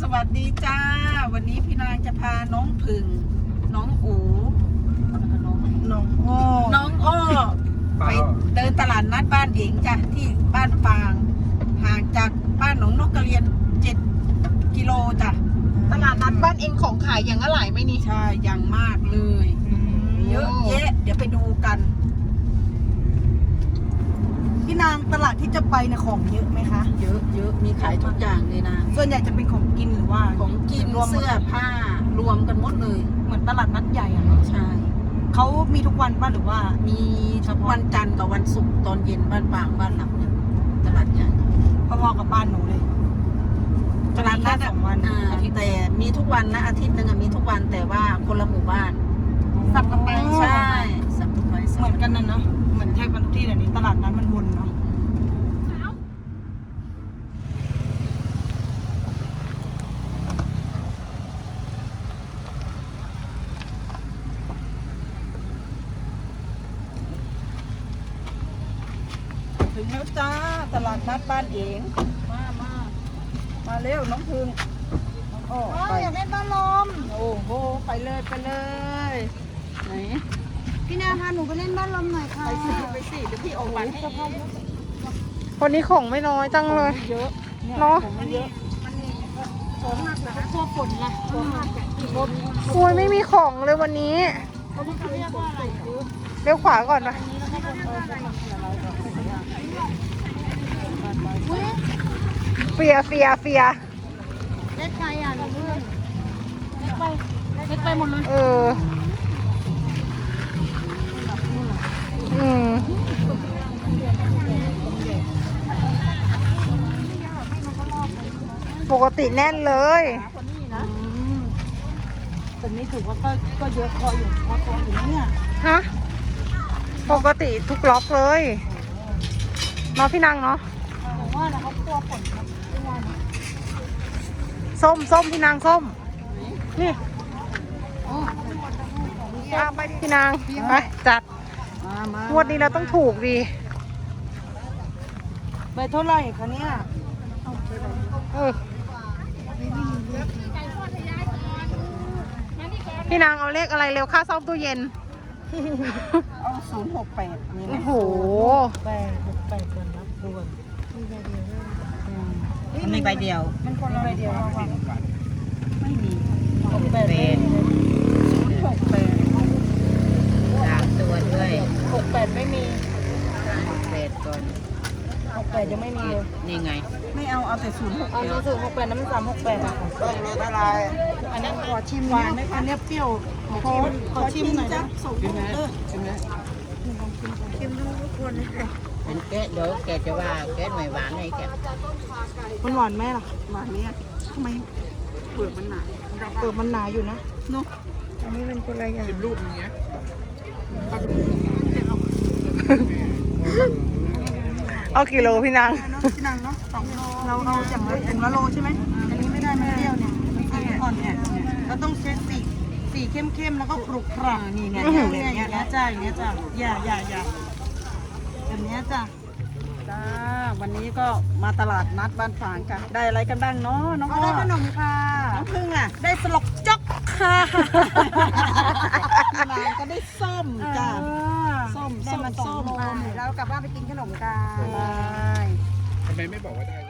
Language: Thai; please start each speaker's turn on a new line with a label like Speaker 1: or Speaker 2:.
Speaker 1: สวัสดีจ้าวันนี้พี่นางจะพาน้องผึ่งน้องอูน้องอ้อไปเดินตลาดนัดบ้านเองจ้ะที่บ้านปางห่างจากบ้านหนองนกกระเรียน7 กิโลจ้ะ
Speaker 2: ตลาดนัดบ้านเองของขายอย่างอะไรไหมนี่
Speaker 1: ใช่อย่างมากเลยเยอะแยะเดี๋ยวไปดูกัน
Speaker 3: พี่นางตลาดที่จะไปเนี่ยของเยอะไหมคะ
Speaker 1: เยอะมีขายทุกอย่างเลยนะ
Speaker 3: ส่วนใหญ่จะเป็นของกินหรือว่า
Speaker 1: ของกินเสื้อผ้ารวมกันหมดเลย
Speaker 3: เหมือนตลาดนัดใหญ่อะเนาะ
Speaker 1: ใช่
Speaker 3: เขามีทุกวันป่ะหรือว่า
Speaker 1: มีเฉพาะวันจันทร์กับวันศุกร์ตอนเย็นบ้านปางบ้านหลักเนี่ยตลาดใหญ่
Speaker 3: พอๆกับบ้านหนูเลย
Speaker 1: ตลาดนัด
Speaker 3: 2 วัน
Speaker 1: แต่มีทุกวันนะอาทิตย์นึงมีทุกวันแต่ว่าคนละหมู่บ้าน
Speaker 3: สับกันไป
Speaker 1: ใช่สับกันไป
Speaker 3: เหมือนกันนั่นเนาะเหมือนแทบทุกที่เดี๋ยวนี้ตลาดนัดมันวนเนาะถึงแล้วจ้าตลาดนัดบ้านเองมาเร็วน้องพึ่งโอ้อยากเล่นบ้านลมโอ้โหไปเลยไหน
Speaker 2: พี่นาพาหนูไปเล่นบ้านลมหน่อยค่ะ
Speaker 1: ไปสิเดี๋ยวพี่ออกบัตรให้
Speaker 2: วันนี้ของไม่น้อยจังเลย
Speaker 3: เยอะ
Speaker 2: เนาะ
Speaker 3: เยอะของหนักนะพวกฝนนะ
Speaker 2: โอ้ยไม่มีของเลยวันนี้เลี้ยวขวาก่อนนะเฟีย
Speaker 3: เล็กไปอ่ะหนูเพื่อนเล็กไปหมดเลย
Speaker 2: ปกติแน่นเลย
Speaker 3: แต่นี้ถือว่าก็เยอะพออยู่เนี่ย
Speaker 2: ฮะปกติทุกล็อกเลยเนาะพี่นางเนาะ
Speaker 3: แต่ว่าเขากลัวฝนครับ
Speaker 2: ส้มพี่นางส้มนี่ไปดิพี่นางไปจัดงวดนี้เราต้องถูกดี
Speaker 3: ใบเท่าไหร่คะเนี่ย
Speaker 2: พี่นางเอาเลขอะไรเร็วค่าซ่อมตู้เย็น
Speaker 1: เอา068นี่
Speaker 2: โอ้โห
Speaker 3: 8กันนะด่วน
Speaker 1: มันมีใบเดียว
Speaker 3: มันคนละใบเดียว
Speaker 1: ไม่มี3 ตัวด้วย
Speaker 3: 68ไม่มี
Speaker 1: 68ก่อน
Speaker 3: 68ยังไม่มีเลย
Speaker 1: นี่ไงไม่เอาแต่068
Speaker 3: เอา068น้ำมัน368อะอันนี้ขอชิมหวานไหมคะเนี่ยเปรี้ยวขอชิมหน่อยนะ
Speaker 1: ชิมดูทุกคนเลยเป็นแกะเดี๋ยวแกจะว่าแกะไม่หวานให้แก
Speaker 3: มันหวานไหมล่ะ
Speaker 1: หวานเนี่ยทำไมเปลือกมันหนา
Speaker 3: อยู่นะ
Speaker 1: เนาะ
Speaker 3: อันนี้เป็นคนละอย่าง
Speaker 1: รูปอย่างเงี้ย
Speaker 2: เอากี่โลพี่นาง
Speaker 3: เนาะ2 โลเราเอาอย่างละถุงละโลใช่ไหมอันนี้ไม่ได้มันเปรี้ยวเนี่ยสีอ่อนเนี่ยเราต้องเช็ดสีเข้มๆแล้วก็กรุบกรับนี่เนี่ยอย่างเงี้ยจ้าอย่างเงี้ยจ้าอย่าแบบเนี้ยจ้า
Speaker 1: วันนี้ก็มาตลาดนัดบ้านฝางกันได้อะไรกันบ้างเนาะน้อง
Speaker 3: ได้ขนมค่ะ
Speaker 1: น้องพึ่งอ่ะได้สลบจ๊อกค่ะนางก็ได้ส้มจ้าส้ม
Speaker 3: ได้มา2 โลแล้วกลับบ้านไปกินขนมกัน
Speaker 1: ทำไมไม่บอกว่าได้